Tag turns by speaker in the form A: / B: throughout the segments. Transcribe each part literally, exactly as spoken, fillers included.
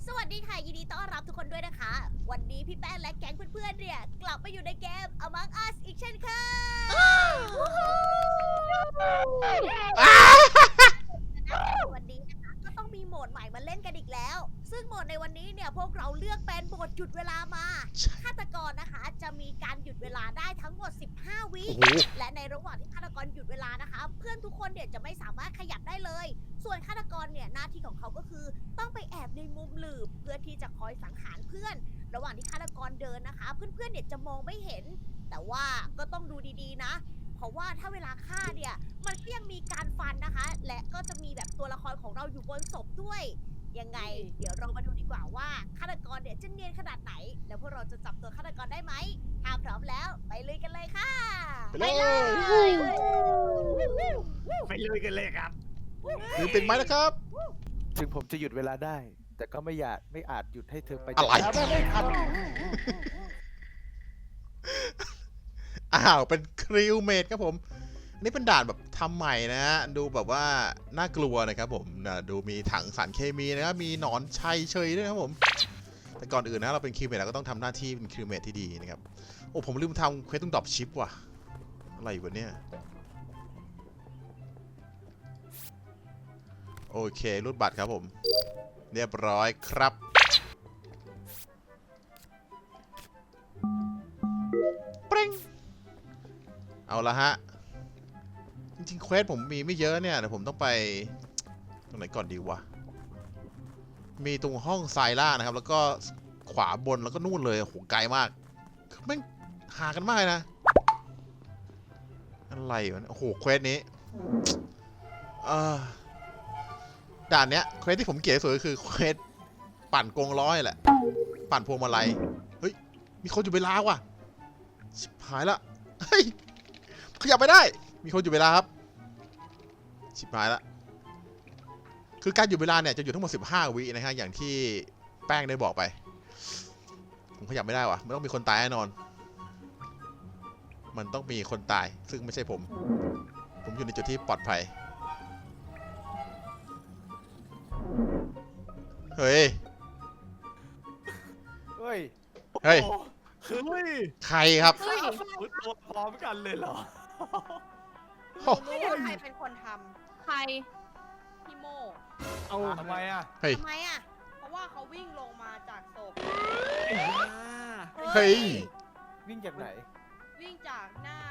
A: สวัสดีค่ะยินดีต้อนรับทุกคนด้วยนะคะวันนี้พี่แป้งและแก๊งเพื่อนๆเนี่ยกลับมาอยู่ในเกม Among Us อีกเช่นเคยวันนี้นะคะก็ต้องมีโหมดใหม่มาเล่นกันอีกแล้วซึ่งโหมดในวันนี้เนี่ยพวกเราเลือกเป็นโหมดหยุดเวลามาฆาตกรนะคะจะมีการหยุดเวลาได้ทั้งหมดสิบห้าวิและในระหว่างที่ฆาตกรหยุดเวลานะคะเพื่อนทุกคนเนี่ยจะไม่สามารถขยับได้เลยส่วนฆาตกรเนี่ยหน้าที่ของเขาก็คือต้องไปแอบในมุมหลืบเพื่อที่จะคอยสังหารเพื่อน ระหว่างที่ฆาตกรเดินนะคะ เพื่อนๆเนี่ยจะมองไม่เห็น แต่ว่าก็ต้องดูดีๆนะ เพราะว่าถ้าเวลาฆ่าเนี่ยมันก็ยังมีการฟันนะคะ และก็จะมีแบบตัวละครของเราอยู่บนศพด้วยยังไง เดี๋ยวเรามาดูดีกว่าว่าฆาตกรเนี่ยจะเนียนขนาดไหน แล้วพวกเราจะจับตัวฆาตกรได้ไหมถ้าพร้อมแล้วไปเลยกันเลยค่ะ
B: ไปเลย
C: ไปเลยกันเลยครับ
B: ถือเป็นไหมนะครับ
D: ถึงผมจะหยุดเวลาได้ แต่ก็ไม่อยากไม่อาจหยุดให้เธอไป
B: อะไร
D: จากไม่ทัน
B: อ้าวเป็นคริวเมดครับผมอันนี่เป็นด่านแบบทำใหม่นะฮะดูแบบว่าน่ากลัวนะครับผมนะดูมีถังสารเคมีนะครับมีหนอนชัยเชยด้วยนะครับผมแต่ก่อนอื่นนะเราเป็นคริวเมดเราก็ต้องทำหน้าที่เป็นคริวเมดที่ดีนะครับโอ้ผมลืมทำเควสต้องดรอปชิปว่ะอะไรวะเนี่ยโอเครูดบัตรครับผมเรียบร้อยครับปริ้งเอาละฮะจริงๆเควสผมมีไม่เยอะเนี่ยแต่ผมต้องไปตรงไหนก่อนดีวะมีตรงห้องไซล่านะครับแล้วก็ขวาบนแล้วก็นู่นเลยโหไกลมากแม่งหากันมากเลยนะอะไรวะโอ้โหเควสนี้เออด่านเนี้ยเควสที่ผมเกลียดที่สุดก็คือเควสปั่นกงล้อแหละปั่นพวงมาลัยเฮ้ยมีคนอยู่เวลาว่ะชิบหายละเฮ้ยขยับไม่ได้มีคนอยู่เวลาครับชิบหายละคือการอยู่เวลาเนี่ยจะอยู่ทั้งหมดสิบห้าวินะฮะอย่างที่แป้งได้บอกไปผมขยับไม่ได้ว่ะมันต้องมีคนตายแน่นอนมันต้องมีคนตายซึ่งไม่ใช่ผมผมอยู่ในจุดที่ปลอดภัยเฮ้ย
D: เฮ้ย
B: เฮ้ย
C: เฮ้ย
B: ใครครับ
C: เฮ้ยตัวพร้อมกันเลยเหรอ
B: โอ้
A: ไม่รู้ใครเป็นคนท
E: ใคร
A: ำพี่โม
C: เอาทำไมอ่ะ
B: เฮ้ย
A: ทำไมอ่ะ
E: เพราะว่าเขาวิ่งลงมาจากศพ
B: เฮ้ย
D: วิ่งจากไหน
E: วิ่งจากหน้า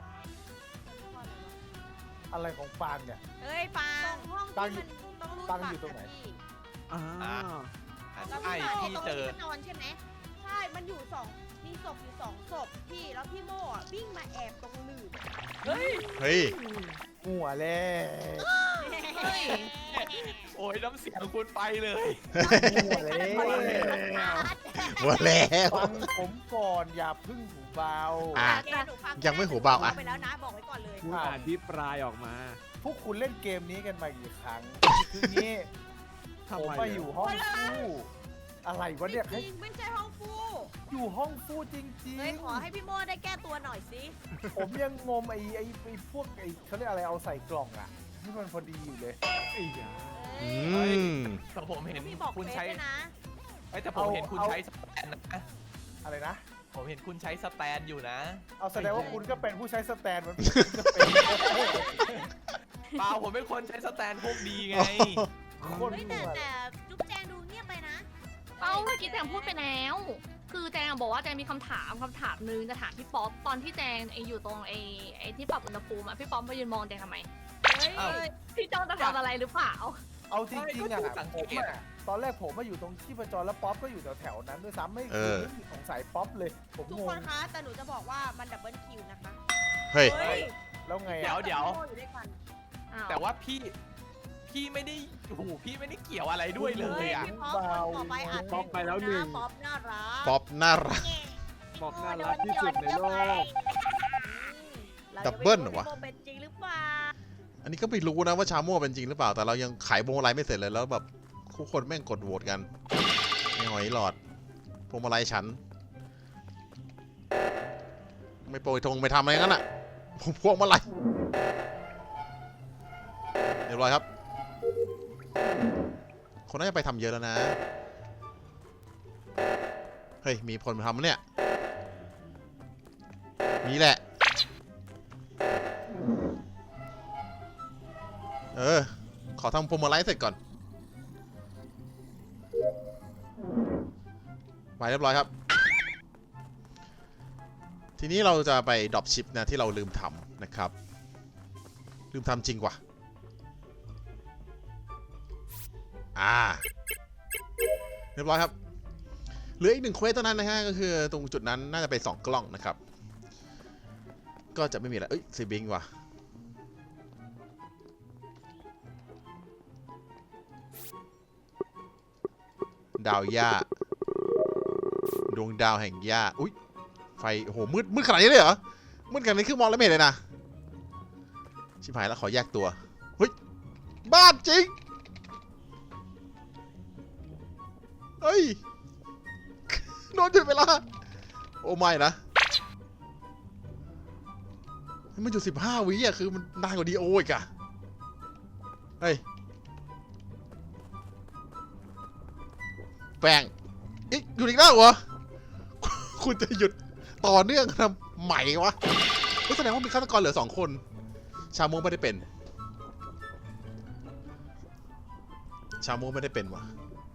D: อะไรของปางเนี่ย
A: เฮ้ยปา
E: ตรง งห้อง
D: ตั้ง
E: ที่มันต้องรูด
D: ตั้ง
E: บัต
D: อยู่
E: ร
D: ตรงไหน
E: อะพี่
C: อ่า
A: แล้ว
C: ใช่
A: พี่
C: ที่
A: ตรง
C: เจอ
A: ที่นอนใช่ไหม
E: ใช่ มันอยู่สองมีศพอยู่สองศพพี่ แล้วพี่โม่อะวิ่งมาแอบตรงหลืบ
C: เฮ้ย
B: เฮ้ย
D: หัวแล้ว
E: เฮ้ย
C: โอ้ยน้ำเสียงคุณไปเลย
D: หัวแล้ว
B: หมดแล้ว
D: ฟังผมก่อนอย่าพึ่งหูเบา
B: อ่ะ
A: แกหนูฟั
B: ยังไม่หูเบาอ่ะ
A: ไปแล้วนะบอกไว้ก่อนเลย
F: คุณอภิปรายออกมา
D: พวกคุณเล่นเกมนี้กันมากี่ครั้ง คืองี้
F: ทำ
D: ผม
F: ไม
D: มาอยู่ห้องฟู่อะไรวะเนี่ย
A: จริงไม่ใช่ห้องฟู
D: อยู่ห้องฟู่จริง
A: เฮ้ยขอให้พี่โมได้แก้ตัวหน่อยสิ
D: ๆ ผมยังงมไอ้ไอ้ไอ้พวกไอ้เขาเรียกอะไรเอาใส่กล่องอ่ะที่มันพอดีอยู่เลย
F: ไอ้ยา
B: อืม
C: แต่ผมเห็น
A: พี่บอก
C: คุณ
A: เฟซ
C: ใช้
A: ด้วยนะ
C: เอ้ยแต่ผมเห็นคุณ
D: เอา
C: ใช้สแตนนะ
D: อะไรนะ
C: ผมเห็นคุณใช้สแตนอยู่นะ
D: เอาแสดงว่าคุณก็เป็นผู้ใช้สแตนมันก็เป็น
C: เปล่าผมเป็นคนใช้สแตนพวกดีไง
D: คน
A: เฮ้ย
D: หั
A: แต่
D: ว
A: แต่จุ๊บแจงดูเงียบไปนะ
E: เอ้าเมื่อกี้แจงพูดไปแล้ว คือแจงบอกว่าแจงมีคำถามคำถามนึงจะถามพี่ป๊อปตอนที่แจงไออยู่ตรงไอไอที่ปรับอุณหภูมิอะพี่ป๊อปมายืนมองแจงทำไม
A: เฮ้ย
C: เอ้า
E: พี่จ้องจะทำอะไรหรือเปล่า
D: เอาจริงๆอ่ะ
C: ไม่ก็ถูกสัง
D: ผม
C: เกต
D: อ่ะตอนแรกผมมาอยู่ตรงที่ประจรแล้วป๊อปก็อยู่แถวๆนั้นด้วยซ้ำไม่
B: เออ
D: ไม่มีสงสัยป๊อปเลย ผม
A: ทุก
D: ง
A: ค
D: ง
A: นคะ แต่หนูจะบอกว่ามันดับเบิลคิวนะคะ
B: เฮ้ย
A: เฮ้ย
D: แล้วไง
C: เดี๋ยว
D: อ่ะ
C: เดี๋ยว
A: โมอยู่ด้วยกัน
E: อ้าว
C: แต่ว่าพี่ พี่ไม่ได้โอ้โหพี่ไม่ได้เกี่ยวอะไรด้วยเลยอ่ะ
A: พี่ป๊อปคนต่อไปอาจ
F: ป๊อปไปแล้วหนึ่ง
A: ป๊อปน่ารัก
B: ป๊อปน่ารัก
F: ป๊อปน่ารักที่สุดในโลก
B: ดับเบิ้ลเหรอวะ
A: ายังไม่รู้าพี่โมเป็นจริงหรือเปล่า
B: อันนี้ก็ไม่รู้นะว่าชาโม่เป็นจริงหรือเปล่า แต่เรายังขายพวงมาลัยไม่เสร็จเลยแล้วแบบทุกคนแม่งกดโหวตกันไม่หอยหลอดพวงมาลัยฉัน ไม่โปรยธงไม่ทำอะไรงั้นอ่ะพวงมาลัยเรียบร้อยครับ คนน่าจะไปทำเยอะแล้วนะเฮ้ย มีคนมาทำเนี่ยนี่แหละ เออ ขอทำโปรโมไลท์เสร็จก่อน ไปเรียบร้อยครับ ทีนี้เราจะไปดรอปชิปนะที่เราลืมทำนะครับ ลืมทำจริงว่ะ อ่า เรียบร้อยครับ เหลืออีกหนึ่งเควสเท่านั้นนะฮะ ก็คือตรงจุดนั้นน่าจะเป็นสองกล้องนะครับ ก็จะไม่มีอะไรเอ้ยซีบิงว่ะ ดาวหญ้าดวงดาวแห่งหญ้าอุ้ยไฟโอ้โหมืดมืดขนาดนี้เลยเหรอมืดขนาดนี้คือมองแล้วไม่เห็นเลยนะชิบหายแล้วขอแยกตัวเฮ้ยบ้านจริงเฮ้ยโดนหยุดเวลาโอ้ไม่นะมันอยู่สิบห้าวิอ่ะคือมันนานกว่าดีโออีกอะเฮ้ยแป้งอีกหยุดอีกแล้วเหรอ คุณจะหยุดต่อเนื่องทำไหมวะก็แสดงว่ามีฆาตกรเหลือสองคน ชาโมงไม่ได้เป็น ชาโมงไม่ได้เป็นวะ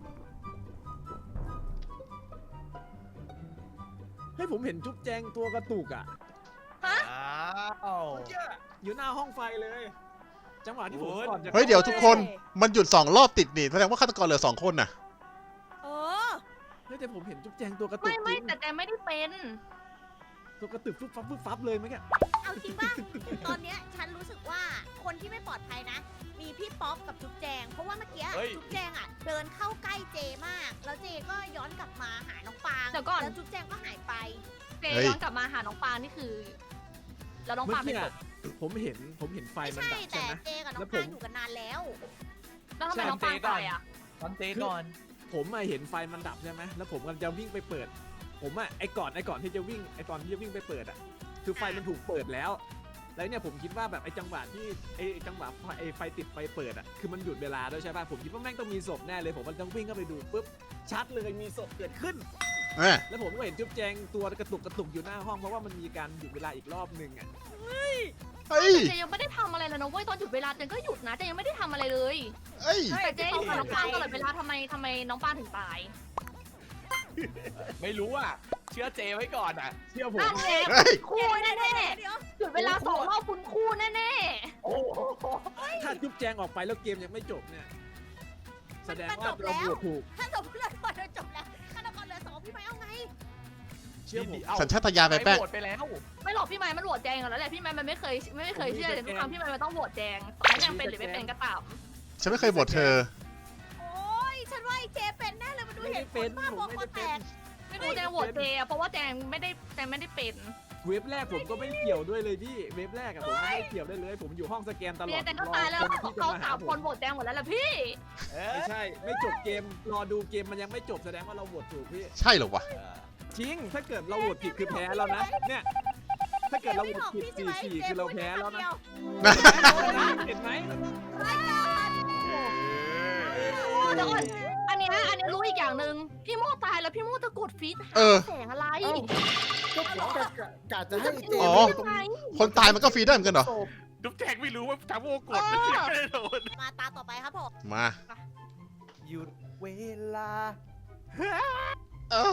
F: ให้ผมเห็นจุ๊บแจงตัวกระตุกอ่ะ
C: อ้าว
F: อยู่หน้าห้องไฟเลย จังหวะที่ผมก่อนจะ
B: เฮ้ยเดี๋ยวทุกคนมันหยุดสองรอบติดนี่แสดงว่าฆาตกรเหลือสองคนน่ะ
A: เออ
F: เฮ้ยแต่ผมเห็นจุ๊บแจงตัวกระตุก
E: ไม่ไม่
F: จริง
E: แต่แจงไม่ได้เป็น
F: ตัวกระตุกฟึบฟับฟึบฟับเลยเมื่อกี้
A: เอาจริงป่ะ ตอนเนี้ยฉันรู้สึกว่าคนที่ไม่ปลอดภัยนะ มีพี่ป๊อปกับจุ๊บแจง เพราะว่าเมื่อกี้จุ๊บแจงอ่ะเดินเข้าใกล้เจมาก แล้วเจก็ย้อนกลับมาหาน้องปาง
E: เดี๋ยวก่อน
A: แล้วจุ๊บแจงก็หายไป
E: เจ
B: เฮ้ย
E: ย้อนกลับมาหาน้องปางนี่คือ แล้วน้อง
F: เมื่อ
E: ปางเป็
F: กี้
E: นศ
F: อะ
E: พ
F: ผมเห็นผมเห็นไฟ
A: ไม่
F: มัน
A: ใช่
F: ดับใช่
A: แต่
F: ไหม
A: เจกับน้
F: แล้
A: อ
F: ว
A: ง
F: ผม
A: ปางอยู่กันนานแล้ว
E: แล้วทำไมน้องปางตายอ่ะ
C: ตอนเตะก่อน
F: ผมอะเห็นไฟมันดับใช่ไหมแล้วผมกำลังจะวิ่งไปเปิด ผมอะไอก่อนไอก่อนที่จะวิ่งไอตอนที่จะวิ่งไปเปิดอะคือไฟมันถูกเปิดแล้ว แล้วเนี่ยผมคิดว่าแบบไอจังหวะที่ไอจังหวะไฟไอไฟติดไฟเปิดอะคือมันหยุดเวลาด้วยใช่ป่ะผมคิดว่าแม่งต้องมีศพแน่เลยผมมันต้องวิ่งเข้าไปดูปุ๊บชัดเลยมีศพเกิดขึ้น
B: เอ้ย
F: แล้วผมก็เห็นจุ๊บแจงตัวกระตุกกระตุกอยู่หน้าห้องเพราะว่ามันมีการหยุดเวลาอีกรอบหนึ่งอะ
B: เฮ้ย
E: เจยังไม่ได้ทำอะไรเลยนะเว้ยตอนหยุดเวลาเจนก็หยุดนะเจยังไม่ได้ทำอะไรเลย
B: เฮ้ย
E: แต่เจอยู่กับน้องปางตลอดเวลาทำไมทำไมน้องปางถึงตาย
C: ไม่รู้อ่ะ เชื่อเจไว้ก่อนอ่ะ
F: เชื่อผม
E: นั่นไง
B: เฮ้ย
E: คู่แน่
A: เดี๋ยว
E: ๆหยุดเวลาสองรอบคุณคู่แน่
C: โอ้โห
F: ถ้าจุ๊บแจงออกไปแล้วเกมยังไม่จบเนี่ยแสดง
A: มัน
F: ว่า
A: จบ
F: เรา
A: แล้ว
F: บวกถูก
A: ถ้าจบเรื่องก่อนจบแล้วฆาตกรเหลือสองพี่ไม้เอาไง
F: เชื่อผม
C: เอา
B: สัญชาตญาณไปแป้ง
C: โหวตไปแล้ว
E: ๆไม่หรอกพี่ไม้มันโหวตแจงกันแล้วแหละพี่ไม้มันไม่เคยไม่เคยเชื่อแต่ทุกครั้งพี่ไม้มันต้องโหวตแจงต่อให้แจงเป็นหรือไม่เป็นก็ตาม
B: ฉันไม่เคยบทเธอ
A: โอ้ยฉันว่าไอ้เจเป็นแน่เลยมันดูเห็นผลบ้าบอคอแตก
E: ไม่รู้แจงโหวตเจอะเพราะว่าแจงไม่ได้แจงไม่ได้เป็น
F: เว็บแรกผมก็ไม่เกี่ยวด้วยเลยพี่ เว็บแรกอะผมไม่ได้เกี่ยวได้เลย ผมอยู่ห้องสแกนตลอ
E: เนี่
F: ด
E: ยแจงก็ตายแล้ว
F: รอคนที่จะ
E: เขา
F: มาหา
E: สาม
F: ผ
E: คน
F: ม
E: โหวตแจงหมดแล้วแหละพี่
C: เอ
F: ไม่
C: อ
F: ใช่ ไม่จบเกม รอดูเกมมันยังไม่จบแสดงว่าเราโหวตถูกพี่
B: ใช่เหรอวะ
F: จริง ถ้าเกิดเราโหวตผิดคือแพ้แล้วนะ เนี่ย ถ้าเกิดเราโหวตผิดสี่สี่คือเราแพ้แล้วนะ เห็นไหม
E: เดี๋ยวก่อนอันเนี้ยอันเนี้ยรู้อีกอย่างหนึ่งพี่โมตายแล้วพี่โมจะกดฟีดหา
B: เออ
E: แสงอะไร
D: เอ้า ก็กะกะกะจะให้เจ
B: อ๋อ
D: ไปตรง
B: คนตายมันก็ฟรีได้เหมือนกันเหรอ
D: ศพ
C: ดุ๊กแจกไม่รู้ว่าทำโอกดไม่ได้โดน
A: มาตาต่อไปครับผม
B: มา
D: หยุดเวลา
B: เออ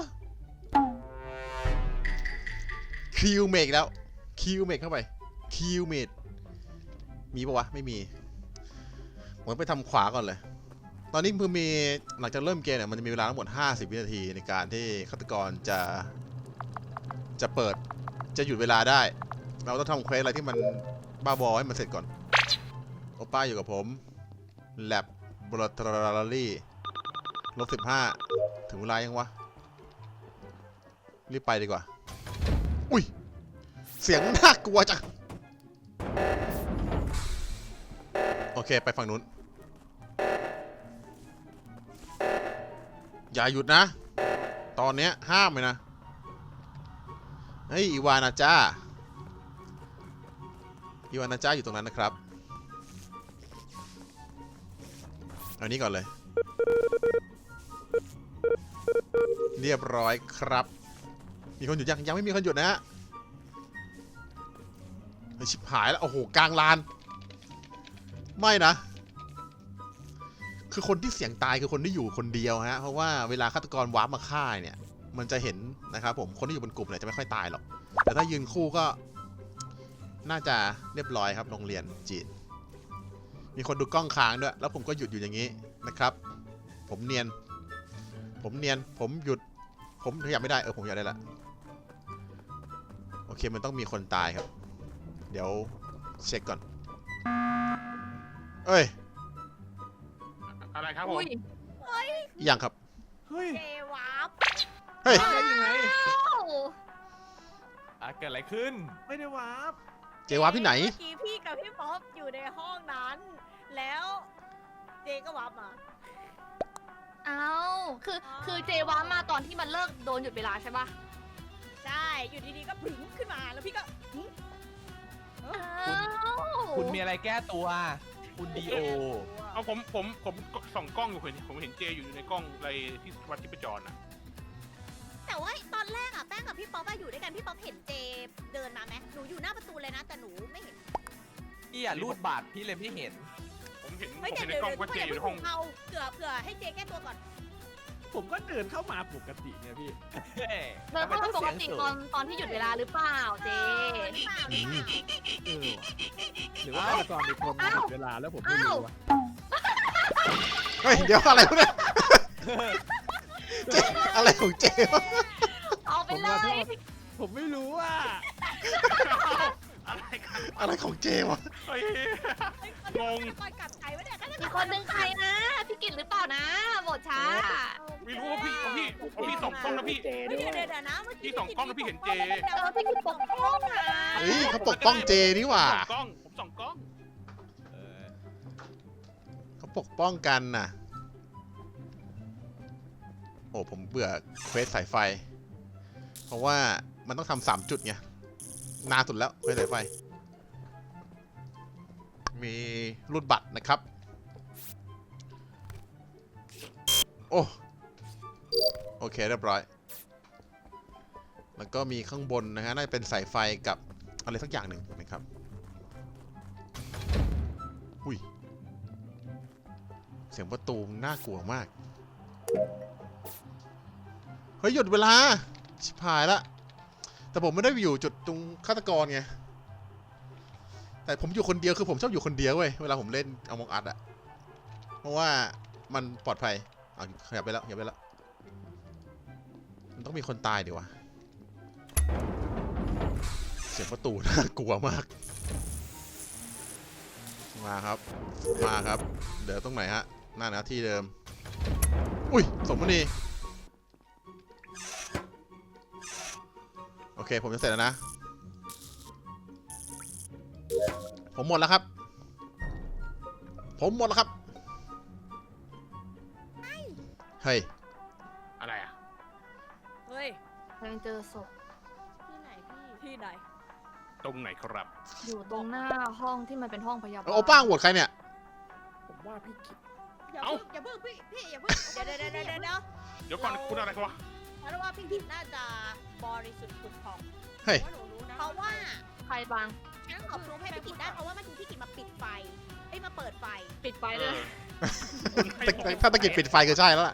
B: คิวเมกแล้วคิวเมกเข้าไปคิวเมดมีปะวะ ไม่มีผมไปทำขวาก่อนเลย ตอนนี้คือมีหลังจากเริ่มเกมเนี่ยมันจะมีเวลาทั้งหมดห้าสิบวินาทีในการที่ฆาตกรจะจะเปิดจะหยุดเวลาได้ เราต้องทำเควสอะไรที่มันบ้าบอให้มันเสร็จก่อนโอป้าอยู่กับผมแลบบลทรารี่ลบสิบห้าถึงเวลายังวะ รีบไปดีกว่า อุ้ย เสียงน่ากลัวจัง โอเค ไปฝั่งนู้น อย่าหยุดนะ ตอนเนี้ยห้ามเลยนะ เฮ้ย อีวานาจ้า อีวานาจ้าอยู่ตรงนั้นนะครับ เอานี้ก่อนเลยเรียบร้อยครับ มีคนหยุดยังยังไม่มีคนหยุดนะฮะเฮ้ยชิบหายแล้วโอ้โหกลางลาน ไม่นะ คือคนที่เสี่ยงตายคือคนที่อยู่คนเดียวฮะเพราะว่าเวลาฆาตกรวาร์ปมาฆ่าเนี่ย มันจะเห็นนะครับผมคนที่อยู่บนกลุ่มเนี่ยจะไม่ค่อยตายหรอกแต่ถ้ายืนคู่ก็ น่าจะเรียบร้อยครับโรงเรียนจีนมีคนดูกล้องค้างด้วยแล้วผมก็หยุดอยู่อย่างนี้นะครับ ผมเนียน ผมเนียนผมหยุด ผมขยับไม่ได้เออผมขยับได้ละโอเคมันต้องมีคนตายครับ เดี๋ยวเช็คก่อนเอ้ย
G: อะไรครับผม
E: อุ้ย
B: ยังครับ
F: เฮ้ย
A: เจวาร์ป
B: เฮ้ย
F: ได้ยังไง
E: อ้าว
C: อ่ะเกิดอะไรขึ้น
F: ไม่ได้วาร์ป
B: เจวาพี่ไหน
A: เมื่อกี้พี่กับพี่ป๊อปอยู่ในห้องนั้น แล้วเจก็วาร์ปมา
E: เอ้าคือคือเจวามาตอนที่มันเลิกโดนหยุดเวลาใช่ปะ
A: ใช่ อยู่ดีๆก็ผึ่งขึ้นมาแล้วพี่ก็หึ
E: อ้าว
C: คุณมีอะไรแก้ตัว คุณดีโอ
G: เอาผมผมผมส่องกล้องอยู่เห็นผมเห็นเจอยู่ในกล้องอะไรที่วัดที่ประจรอ่ะ
A: แต่ว่าตอนแรกอะแป้งกับพี่ป๊อปอะอยู่ด้วยกันพี่ป๊อปเห็นเจเดินมาไหมหนูอยู่หน้าประตูเลยนะแต่หนูไม่เห็น
C: พี่อ่ะรูดบาทพี่เลยไม่เห็น
G: ผมเห็นผม
A: เฮ้ย
G: เห็
A: เดี๋ย
G: น
A: ว
G: ใน
A: เดี๋ยว
G: กล้อง
A: เดี๋ยว
G: ว่าเจอยู่ในห้อง
A: เอาเผื่อเผื่อให้เจแก้ตัวก่อน
F: ผมก็เดินเข้ามาปกติไงพี่
C: เฮ้ย
E: เดินเข้ามาปกติตอนตอนที่หยุดเวลาหรือเปล่าเจ
A: หรือเปล่าหรือเปล่า
F: เออว่ะหรือว่าฆาตกรเป็นคนมาหยุดเวลาแล้วผมไม่รู้วะ
B: เฮ้ยเดี๋ยวอะไรวะเนี่ยเจอะไรของเจวะ
E: เอาไป
F: ผม
E: เล
F: ขอโท
E: ย
F: ษผมไม่รู้ว่า
G: อะไรกัน
B: อะไรของเจวะ
G: เฮ้ย
A: เฮ้ย
G: งง
A: ก่อนกลับใครวะเนี่ย
E: อีกคนนึงใครนะพี่กิตหรือเปล่านะหมดช้า
G: ไม่รู้ว่าพี่ว่าพี่ว่าพี่ส่องกล้องนะพี่
A: เฮ้ยเดี๋ยวเดี๋ยวเดี๋ยวนะเมื่อกี้
G: พี่ส่องกล้องแล้วพี่เห็นเจ
E: เออพี่กิตปกป้องนะ
B: เฮ้ยเขาปกป้องเจนี่หว่า
G: ส่องกล้อง ผมส่องกล้อง
C: เออ
B: เขาปกป้องกันน่ะ โอ้ผมเบื่อเควสสายไฟ เพราะว่ามันต้องทำสามจุดไงนานสุดแล้วเควสสายไฟ มีรูดบัตรนะครับ โอ้โอเคเรียบร้อย แล้วก็มีข้างบนนะฮะน่าจะเป็นสายไฟกับอะไรสักอย่างหนึ่งนะครับ อุ้ย เสียงประตูน่ากลัวมาก เฮ้ยหยุดเวลา ชิบหายละ แต่ผมไม่ได้อยู่จุดตรงฆาตกรไง แต่ผมอยู่คนเดียวคือผมชอบอยู่คนเดียวเว้ยเวลาผมเล่นเอามองอัดอะเพราะว่ามันปลอดภัยอ่ะขยับไปแล้วขยับไปแล้วมันต้องมีคนตายดิวะเสียงประตูน่ากลัวมากมาครับมาครับเดี๋ยวตรงไหนฮะหน้าหน้าที่เดิมอุ้ยสมมณีโอเคผมจะเสร็จแล้วนะผมหมดแล้วครับ ผมหมดแล้วครับ เฮ้ย
G: อะไรอ่ะ
A: เฮ้ย
E: ยังเจอศพ
A: ที่ไหนพี่ที่ไหน
G: ตรงไหนครับ
E: อยู่ตรงหน้าห้องที่มันเป็นห้องพยาบาล
B: โอ้ป้างโหวตใครเนี่ย
F: ผมว่าพี่กิต
A: อย่า
G: เอ้า
A: เพิ่งอย่าเพิ่งพี่พี่อย่าเพิ่งเดี๋ยวเดี๋ยวเดี๋ยวเดี๋ยวเดี๋ยว
G: เดี๋ยวก่อนคุณอะไรกันวะ
A: เพราะว่าพี่กิตน่าจะบริสุทธิ์ผุดผ่อง
B: เฮ้ย
A: เพราะหนูรู้นะเพราะว่า
E: ใครบาง
A: งั้นขอพรูฟให้พี่กิตได้เพราะว่าเมื่อกี้พี่กิตมาปิดไฟเอ้ยมาเปิดไฟ
E: ปิดไฟเลย
G: คุณให้ผม
B: ถ้าตะกิดปิดไฟก็ใช่แล้วล่ะ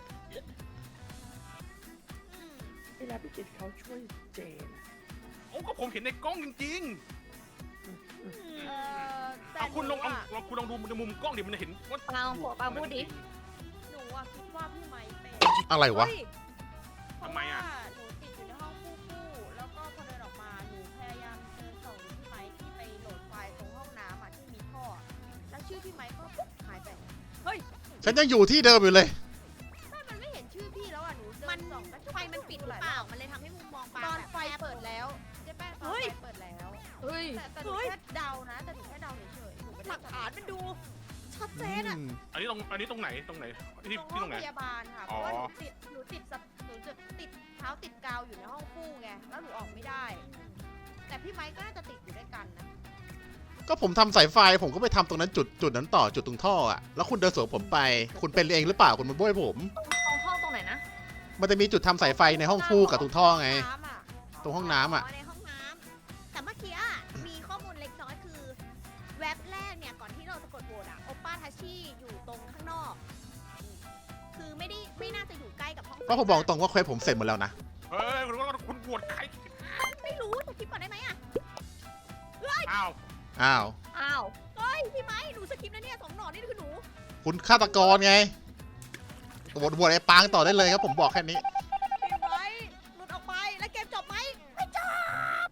A: อืม
F: เวลาพี่กิตเขาช่วยเจน
G: โอ้ก็ผมเห็นในกล้องจริง
A: เออ
G: ๆ
A: แต่
G: เอาคุณลอง
A: หนู
G: เอา
A: อะ
G: ลองคุณลองดูในมุมกล้องดิมันเห็นว่า
E: ปางผัวปางพูดดิ
A: หนูอะคิดว่าพี่ไม้เป็น
B: อะไรวะ
A: เฮ้ย
G: ทำไมอ่ะ
A: เพราว่าหนูติดอยู่ในห้องคู่คู่แล้วก็พอเดินออกมาหนูพยายามเดินส่องดูพี่ไม้ที่ไปโหลดไฟล์ตรงห้องน้ำอะที่มีท่ออะแล้วชื่อพี่ไม้ก็ปุ๊บหายไปเฮ้ย
B: ฉันยังอยู่ที่เดิมอยู่เลย
A: ไม่มันไม่เห็นชื่อพี่แล้วอ่ะหนูเดินส่องแล้วไฟมันปิดหรือเปล่ามันเลยทำให้มุมมองปา
H: ตอน
A: แบบ
H: ไฟเปิดแล้วเจ๊แป้งตอนไฟเปิดแล้ว
E: เฮ้ย
H: แต่แต่หนูแค่เดานะ แต่หนูแค่เดาเฉยๆหนูไม่
A: ห
H: ได้
A: ลักฐานมันดูชัดเจนอ่ะ
G: อันนี้ตรงอันนี้ตรงไหนตรงไหนที่
H: ตรง
G: ที่
H: ห้
G: ต
H: อ
G: รง งไหน
H: พยาบาลค่ะ เพ
G: อ๋อ
H: ราะว่าหนูติดหนูติดสับหนูจะติดเท้าติดกาวอยู่ในห้องคู่ไง แล้วหนูออกไม่ได้ แต่พี่ไม้ก็น่าจะติดอยู่ด้วยกันนะ
B: ก็ผมทำสายไฟผมก็ไปทำตรงนั้นจุดจุดนั้นต่อจุดตรงท่ออะแล้วคุณเดินสวนผมไป คุณเป็นเองหรือเปล่าคุณมาบ้วยผม
E: ตรงห้องตรงไหนนะ
B: มันจะมีจุดทำสายไฟในห้องฟูกกับตรงท่อไง
H: น้ำอะ
B: ตรงห้องน้ำอ่ะ
A: ในห้องน้ำแต่เมื่อกี้อะมีข้อมูลเล็กน้อยคือแว็บแรกเนี่ยก่อนที่เราจะกดโหวตอะโอป้าทัชชี่อยู่ตรงข้างนอก คือไม่ได้ไม่น่าจะอยู่ใกล้กับห้อง
B: เพราะผมบอกตรงว่าเควสผมเสร็จหมดแล้วนะ
G: เฮ้ยคุณว่าคุณบวชใคร
A: ไม่รู้ถูกคลิปก่อนได้ไหมอะ
G: อ้าว
B: อ้าว
E: อ้าว
A: เฮ้ยพี่ไม้หนูสคริปต์นะเนี่ยสองหน่อนี่คือหนู
B: คุณฆาตกรไงบวชบวชไอ้ปางต่อได้เลยครับผมบอกแค่นี้
A: พี่ไม้หลุดออกไปแล้วเกมจบไหมไม่จบบ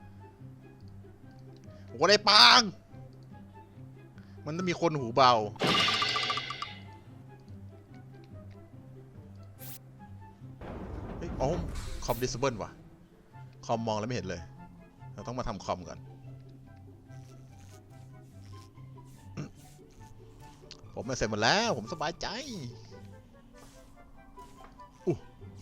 B: วชไอ้ปาง มันต้องมีคนหูเบา เฮ้ยอ๋อคอมดิสเบิลว่ะ คอมมองแล้วไม่เห็นเลย เราต้องมาทำคอมก่อน ผมมาเสร็จหมดแล้ว ผมสบายใจอู้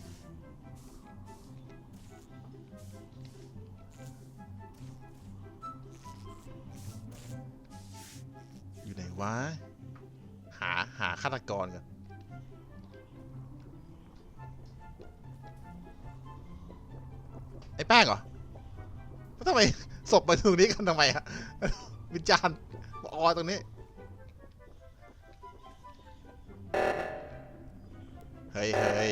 B: อยู่ไหนวะ หา หาฆาตกรกัน ไอ้แป้งเหรอแล้วทำไมศพมาตรงนี้กันทำไมอะ วิจารณ์มาออตรงนี้ เฮ้ยเฮ้ย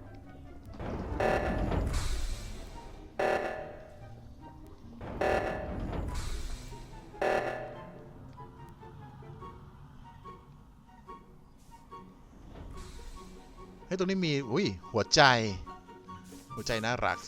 B: เฮ้ยตรงนี้มีอุ้ยหัวใจ หัวใจน่ารัก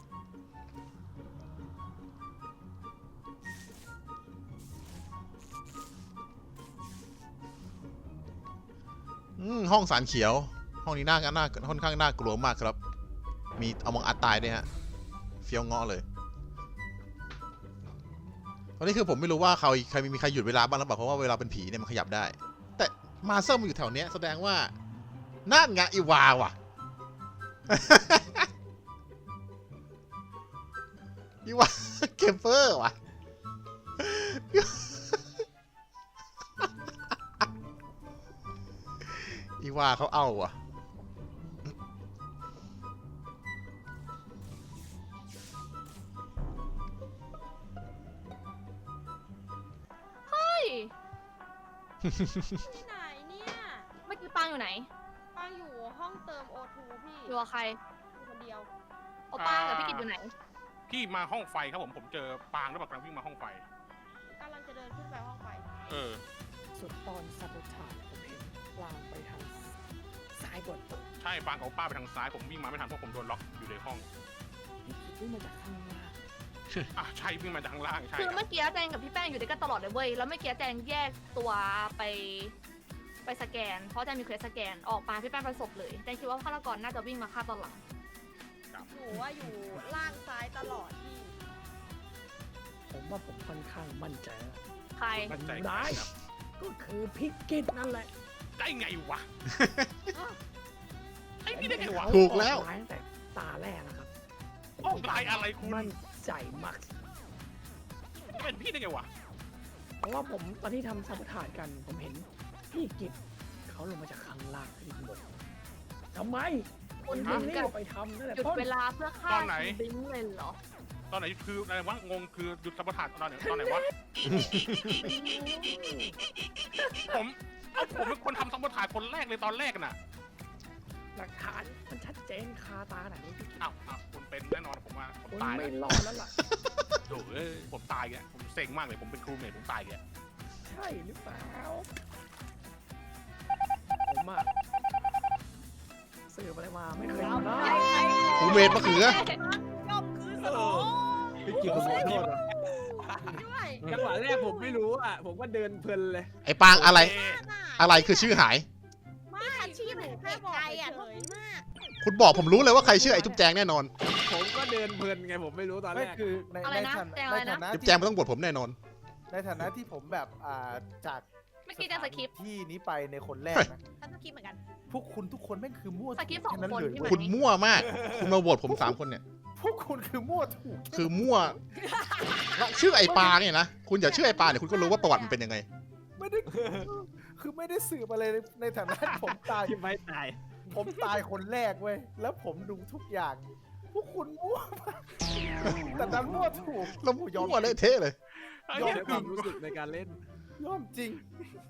B: อืมห้องสารเขียว ห้องนี้น่าน่าค่อนข้างน่ากลัวมากครับ มีเอามองอัดตายด้วยฮะเฟี้ยวเงาะเลยตอนนี้คือผมไม่รู้ว่าเขาใครมีใครหยุดเวลาบ้างหรือเปล่าเพราะว่าเวลาเป็นผีเนี่ยมันขยับได้ แต่มาเซอร์มันอยู่แถวเนี้ยแสดงว่านั่นไงอีวาว่ะ อีวาเกมเปอร์ว่ะ อีวาเขาเอาว่ะ
E: เฮ้ย
H: ที่ไหนเนี่ย
E: เมื่อกี้ปางอยู่ไหน
H: ปางอยู่ห้องเติมโอทูพี่
E: อยู่กับใคร
H: อยู่คนเดียว
E: โอป้ากับพี่กิตอยู่ไหน
G: พี่มาห้องไฟครับผมผมเจอปางแล้วแบบกำลังวิ่งมาห้องไฟ
H: กำลังจะเดินขึ้นไปห้องไฟ
G: เออ
I: สุดตอนสับชาผมเห็นวางไปทางซ้ายบน
G: ใช่ปางกับป้าไปทางซ้ายผมวิ่งมาไม่ทันเพราะผมโดนล็อกอยู่ในห้อง
I: คิดว่ามาจากข้างล่าง
G: อ่ะใช่วิ่งมาจากข้างล่างใช่
E: คือ
G: ครับ
E: เมื่อกี้แจงกับพี่แป้งอยู่ด้วยกันตลอดเลยเว้ย แล้วเมื่อกี้แจงแยกตัวไปไปสแกน เพราะแจงมีเควสสแกน ออกมาพี่แป้งประสบเลย แจงคิดว่าฆาตกรน่าจะวิ่งมาฆ่าตอนหลัง
H: หนูว่าอยู่ล่างซ้ายตลอดพี่
I: ผมว่าผมค่อนข้างมั่นใจแล้ว
E: ใคร
G: มั่นใจ
I: ได้
G: ครับ
I: ก็คือพิกกิตนั่นแหละ
G: ได้ไงวะไอ้นี่ได้ไงวะ
B: ถูกแล้ว
I: ออไน์ตั้งแต่ตาแรกนะครับ
G: ออกลายอะไรคุณ
I: มั่นใจมาก
G: เป็นพี่ได้ไงวะ
I: เพราะว่าผมตอนที่ทำสับทานกัน ผมเห็นพี่กิตเขาลงมาจากข้างล่างขึ้นบนทำไม
E: คุณ
I: ถึ
E: ถึ
I: ง
E: ง
I: รี
E: กับบ
I: ไปทำนั่นแหละ
E: หยุด
I: ต้น
E: เวลาเพื่อฆ่าคุณบิงเลยเหรอ
G: ตอนไหนคืออะไรวะงงคือหยุดสัมปทานตอนไหนตอนไหนวะผมเอาผมเป็นคนทำสัมปทานคนแรกเลยตอนแรกน่ะ
I: หลักฐานมันชัดเจนคาตาขนาดนี้พี่กิต
G: อ้าวอ้าวคุณเป็นแน่นอนผมว่าผม
I: คุณ
G: ตาย
I: ไม่
G: แล้ว
I: รอดแล้วล่ะ
G: โถ่เอ้ยผมตายแกผมเซ็งมากเลยผมเป็นครูเมทผมตายแก
I: ใช่หรือเปล่า ผมอะสืบอะไรมาไม่เคยทำได้
B: ครูเมดมะเขือ
A: ย่อมคือสมอง
F: พี่กิตผมขอโทษอ่ะ
H: ด้วย
F: จังหวะแรกผมไม่รู้อ่ะ ผมก็เดินเพลินเลย
B: ไอ้ปางอะไร
G: โเค
B: อะไรคือชื่อหาย
A: ไม่ทัชชี่มันแค่บอกใจอ่ะทุกคนมาก
B: คุณบอกผมรู้เลยว่าใครชื่อไอ้จุ๊บแจงแน่นอน
F: ผมก็เดินเพลินไงผมไม่รู้ตอนแร
D: ไม่
F: ก
D: คือใน
E: อะไร
D: ใน
E: นะ
D: ฐานะ
E: แจงอะไร
D: ใน
E: นะ
D: ฐานะ
B: จุ๊บ
D: ที่
B: แจงมันต้องบทผมแน่นอน
D: ในฐานะที่ผมแบบอ่าจาก
E: เมื่อกี้แจงสคริปต์
D: ที่นี้ไปในคนแรกนะ
A: ฉันต้องคิดเหมือนกัน
D: พวกคุณทุกคนแม่งคือมั่ว
E: สคริปต์สอง
D: แค่นั้น
E: คน
D: เลย
E: ที่มัน
B: คุณมั่วมาก คุณมาโหวตผมสามคนเนี่ย
D: พวกคุณคือมั่วถูก
B: คือมั่วแล้วชื่อไอ้ปางเนี่ยนะ คุณอย่าชื่อไอ้ปางเนี่ยคุณก็รู้ว่าประวัติมันเป็นยังไง
D: ไม่ได้คือไม่ได้สืบอะไรในในฐานะที่ผมตาย
F: ที่ไม่ตาย
D: ผมตายคนแรกเว้ย แล้วผมดูทุกอย่าง พวกคุณมั่วมากแต่ดันมั่วถูก
B: แล้วมั่วเละเทะเลย
G: ไอ้
F: ยอ
G: เหี้
F: ม
G: ย
F: ในความรู้สึกในการเล่น
D: ยอมจริง